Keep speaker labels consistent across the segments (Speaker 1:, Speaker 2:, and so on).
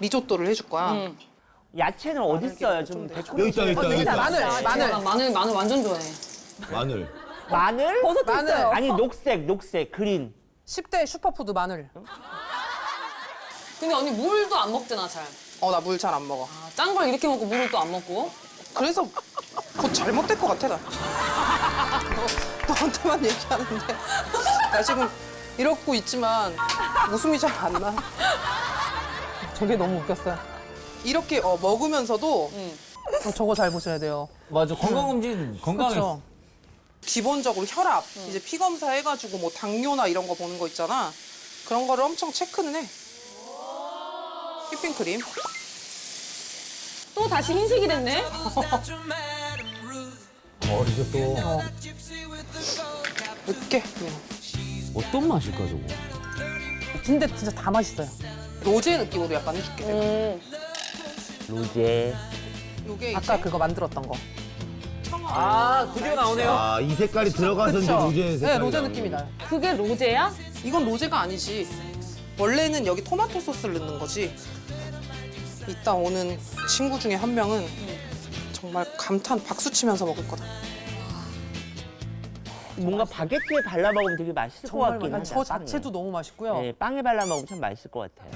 Speaker 1: 리조또를 해줄 거야.
Speaker 2: 야채는 어디 있어요? 좀
Speaker 3: 여기 있다, 여기 있다.
Speaker 1: 마늘 완전 좋아해.
Speaker 3: 마늘.
Speaker 2: 마늘?
Speaker 4: 버섯도 있어요.
Speaker 2: 아니 녹색, 그린.
Speaker 4: 10대 슈퍼푸드 마늘.
Speaker 5: 근데 언니 물도 안 먹잖아, 잘.
Speaker 1: 나 물 잘 안 먹어.
Speaker 5: 짠 걸 이렇게 먹고 물을 또 안 먹고.
Speaker 1: 그래서 곧 잘못될 것 같아, 나. 너한테만 얘기하는데. 나 지금 이러고 있지만 웃음이 잘 안 나.
Speaker 4: 저게 너무 웃겼어요.
Speaker 1: 이렇게 먹으면서도
Speaker 4: 저거 잘 보셔야 돼요.
Speaker 6: 맞아, 건강검진 건강했어.
Speaker 4: 그렇죠.
Speaker 1: 기본적으로 혈압, 이제 피 검사 해가지고 뭐 당뇨나 이런 거 보는 거 있잖아. 그런 거를 엄청 체크는 해. 휘핑크림.
Speaker 5: 또 다시 흰색이 됐네?
Speaker 6: 리조또.
Speaker 1: 늦게 그냥.
Speaker 6: 어떤 맛일까, 저거?
Speaker 4: 근데 진짜 다 맛있어요.
Speaker 1: 로제 느낌으로 약간 해줄게. 내가.
Speaker 2: 로제.
Speaker 1: 요게 이제
Speaker 4: 아까 그거 만들었던 거.
Speaker 6: 아, 드디어 나오네요.
Speaker 3: 아, 이 색깔이 들어가서 이제 로제 색깔이
Speaker 4: 네, 로제
Speaker 3: 나오네.
Speaker 4: 느낌이 나요.
Speaker 5: 그게 로제야?
Speaker 1: 이건 로제가 아니지. 원래는 여기 토마토 소스를 넣는 거지. 이따 오는 친구 중에 한 명은 정말 감탄 박수 치면서 먹을 거다.
Speaker 2: 뭔가 바게트에 발라 먹으면 되게 맛있을 것
Speaker 4: 정말
Speaker 2: 같긴
Speaker 4: 맛있어요.
Speaker 2: 하다.
Speaker 4: 저 자체도 너무 맛있고요.
Speaker 2: 네, 빵에 발라 먹으면 참 맛있을 것 같아요.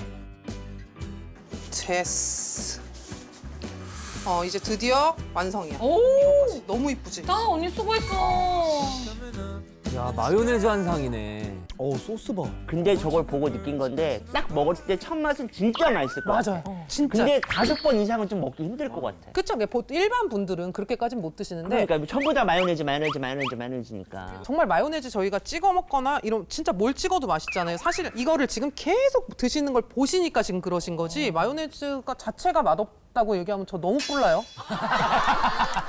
Speaker 1: 제스. 이제 드디어 완성이야.
Speaker 5: 오!
Speaker 1: 이거까지. 너무 이쁘지?
Speaker 5: 나 언니 수고했어.
Speaker 6: 야, 마요네즈 한 상이네. 소스 봐.
Speaker 2: 근데 저걸 보고 느낀 건데 딱 먹었을 때 첫 맛은 진짜 맛있을 것 같아.
Speaker 4: 맞아요. 진짜.
Speaker 2: 근데 5번 이상은 좀 먹기 힘들 것 같아.
Speaker 4: 그쵸? 보통 일반 분들은 그렇게까지는 못 드시는데
Speaker 2: 그러니까 전부 다 마요네즈니까.
Speaker 4: 정말 마요네즈 저희가 찍어 먹거나 이런 진짜 뭘 찍어도 맛있잖아요. 사실 이거를 지금 계속 드시는 걸 보시니까 지금 그러신 거지 마요네즈가 자체가 맛없다고 얘기하면 저 너무 뿔나요.